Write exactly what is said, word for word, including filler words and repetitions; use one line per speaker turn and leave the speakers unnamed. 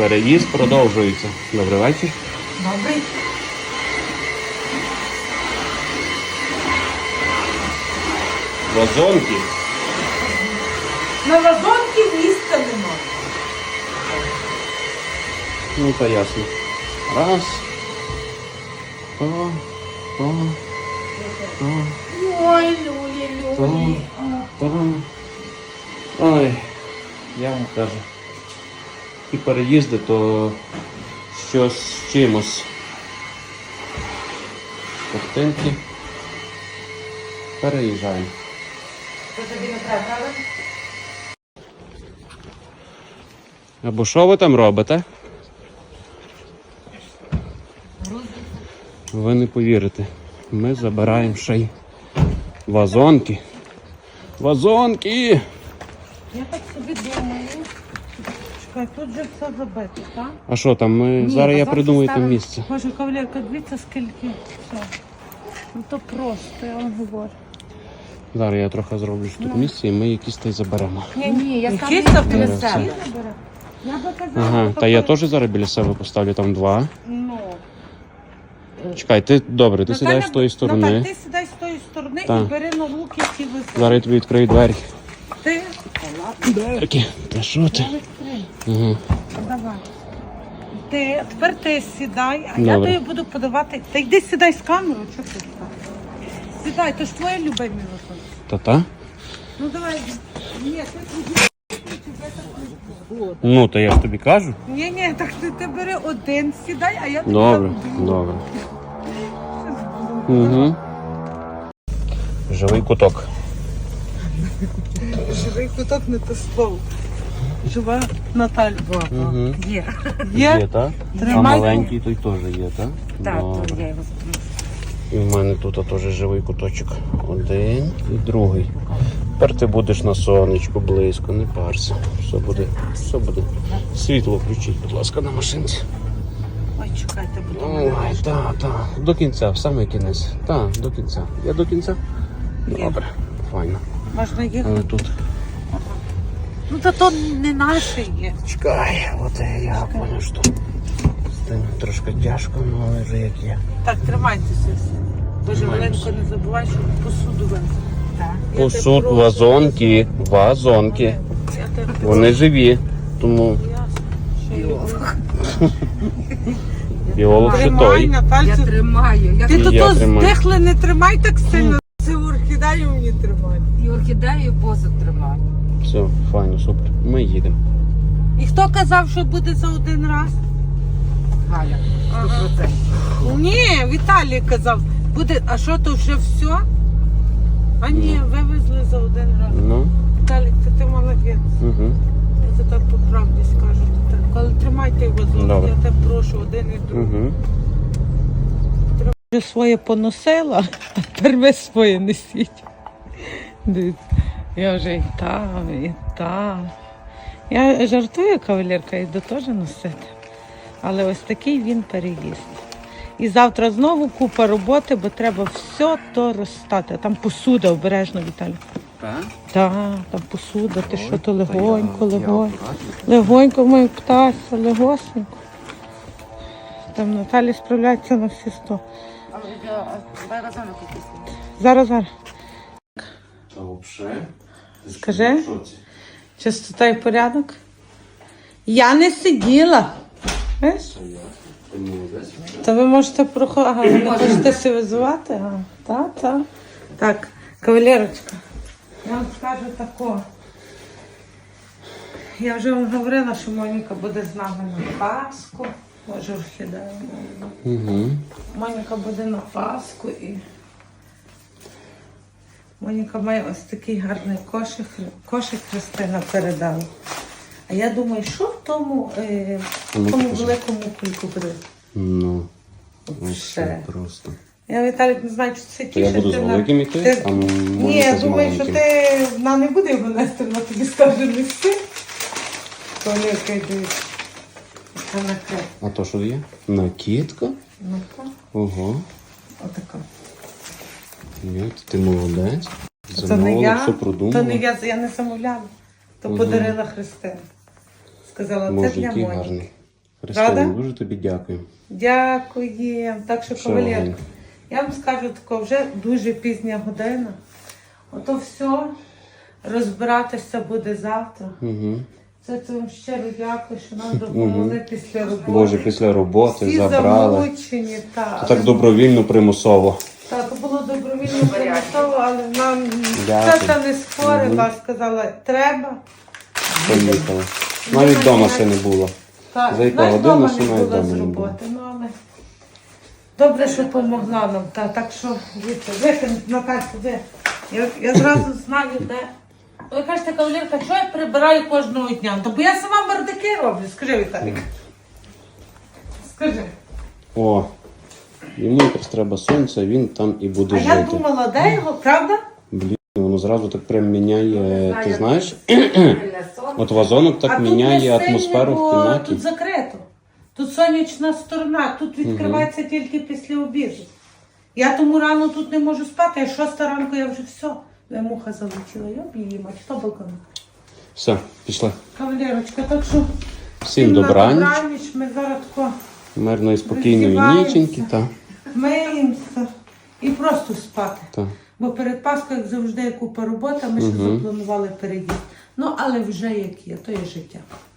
Переїзд продовжується. Добрий вечір.
Добрий.
Вазонки.
На вазонки місця нема.
Ну, та ясно. Раз. О, о, о,
Ой, люлі, люлі.
о. Ой, я вам кажу. І переїзди, то щось з чимось. Картинки. Переїжджаємо.
Це тобі не треба, правда?
Або що ви там робите? Ви не повірите. Ми забираємо ще й вазонки. Вазонки!
Я так собі думаю. Чекай, тут же все забито, так?
А що там? Ми...
Ні,
Зараз я
вазонки
придумаю там
ставимо.
місце.
Боже, кавалерка, дивіться скільки. Все. Ну то просто, я вам говорю.
Зараз я трохи зроблю ж тут місце і ми якісь та й заберемо.
Ні, ні, я сам
Якісь там
біля
Зараз
себе.
все.
Я би казала,
Ага,
що
та я
такої-
теж зараз біля себе поставлю там два.
Ну.
Чекай, ти добре, ти
Наталя,
сідаєш з тої
Наталь,
сторони.
ти сідай з тої сторони
Так.
і бери на руки ці високі.
Зараз я тобі відкрию двері.
Ти?
Дверки. Та що ти? Ага.
Давай. Ти, тепер ти сідай, а я
Добре.
тобі буду подавати. Та йди сідай з камерою, що ти сідай? Сідай, то ж твоє любимі виходить.
Та-та?
Ну давай. Ні, ти тоді.
Ну, то я ж тобі кажу.
Ні, ні, так ти, ти бери один, сідай, а я тобі
Добре,
дам.
добре. Угу. Живий куток.
Живий куток не то слово. Жива Наталя.
Угу.
Є.
Є,
Є?
так? А
Тримай.
маленький той теж є, так?
Так, то
Добре.
я його заберу.
І в мене тут теж живий куточок. Один і другий. Тепер ти будеш на сонечку близько, не парся. Все буде, все буде. Світло включіть, будь ласка, на машинці.
Ой, чекайте, будь
Ой, так, так. До кінця, в самий кінець. Так, до кінця. Я до кінця? Добре, файно.
Можна їхати.
Але тут.
Ну та то не наше є.
Чекай, от я поняв, що з тим трошки тяжко, ну, але вже як є.
Так, тримайтеся. Боже,
Тримаємося.
Оленко, не забувай, що посуду везти.
Так.
Я тебе
Посуд,
прошу.
вазонки, вазонки.
Я тебе прошу.
Вони живі, тому
Ясно. Що я-
біолог ще
Тримай,
той.
Я
Натальцю.
тримаю. Я
Ти
І
то
я
то
тримаю.
здихли не тримай так сильно. Це орхідею мені тримай.
і орхідею, і посуд тримаю.
Все, файно, супер. Ми їдемо.
І хто казав, що буде за один раз?
Галя, сто процентів.
Ні, Віталій казав, буде, а що то вже все? А ні, вивезли за один раз.
Ну,
Віталік, це ти молодець.
угу.
Я це так по правді скажу. Ти так, коли тримайте його зовсім,
Добре.
я тебе прошу, один і другий.
Угу.
Вже своє поносила, а тепер ви своє несіть. Дивіться, я вже і там, і там. Я жартую, кавалерка, йду теж носити. Але ось такий він переїзд. І завтра знову купа роботи, бо треба все то розстати. Там посуда обережно, Віталій.
Так?
Так, там посуда, ти що то легонько, легонько. Легонько мою птася, легосенько. Там Наталі справляється на всі сто.
Зараз вона якийсь.
Зараз, зараз.
Та взагалі.
Скажи. Чистота і порядок. Я не сиділа. Знаєш? То ви можете проходити. Ага, ви не хочете цивілізувати? Ага. Так, так. Так, кавалерочка, я вам скажу тако. Я вже вам говорила, що Моніка буде з нами на Пасху. Боже, орхідея.
Угу.
Моніка буде на Пасху і Моніка має ось такий гарний кошик, кошик Христина передала. А я думаю, що в тому, е, в
Ну,
тому
покажи.
великому кульку буде?
Ну, ось
Ще.
це просто.
Я, Віталік, не знаю, чи це
То я
тіше.
буду з великим іти, а
Ні,
Моніка
я
з
думаю, що
маленьким.
ти, вона не буде його нести, вона тобі скаже нести. Колірка йде. Це накрив.
А то що є? Накидка?
Ну-ка,
Ого.
отака.
Ні, ти молодець.
Це не
Замовила,
я,
все
то
продумала.
не я, я не замовляла. То
Мгм.
подарила Христина. Сказала, це
Боже,
для
який
Моні.
гарний. Христина,
Правда?
дуже тобі дякую.
Дякую. Так що,
Що,
кавалерка,
Галь?
я вам скажу тако, вже дуже пізня година. Ото все, розбиратися буде завтра.
Угу.
Це це вам щиро дякую, що нам допомогли після роботи.
Боже, після роботи
Всі
забрали.
замучені, та,
Це так добровільно, примусово.
Та, то було добровільно примусово, але нам
Дякую.
це не спорила, сказала, треба.
Поїхали. Навіть вдома ще не було.
Так,
За яку
знаєш,
годину,
дома
що
не
навіть
була
вдома
з
не було.
роботи, ну але добре, що допомогла нам. Та, так що, дивіться, ви, Натальця, ви. Я, я зразу знаю, де. Ви кажете, кавалерка, що я прибираю кожного дня? То бо я сама бардаки роблю, скажи, Віталік. Скажи.
О, йому якраз треба сонця, він там і буде
А
жити.
я думала, де його, правда?
Блін, воно зразу так прям міняє, ти знаєш?
Сильне сон.
От вазонок так
а
міняє
тут не сильно,
атмосферу в
бо
кімнаті.
Тут закрито. Тут сонячна сторона, тут відкривається тільки після обіду. Я тому рано тут не можу спати, а шоста ранку я вже все. Я муха залетіла, я б її мать, хто балкон?
Все, пішли.
Кавалерочка, так що
Всім
на
добраніч,
добраніч, ми зараз тако
мирної, спокійної
роздіваємося.
ніченьки. Та,
миємося і просто спати.
та.
Бо перед Пасхою, як завжди, є купа роботи, ми ще запланували переїзд. Ну, але вже як є, то є життя.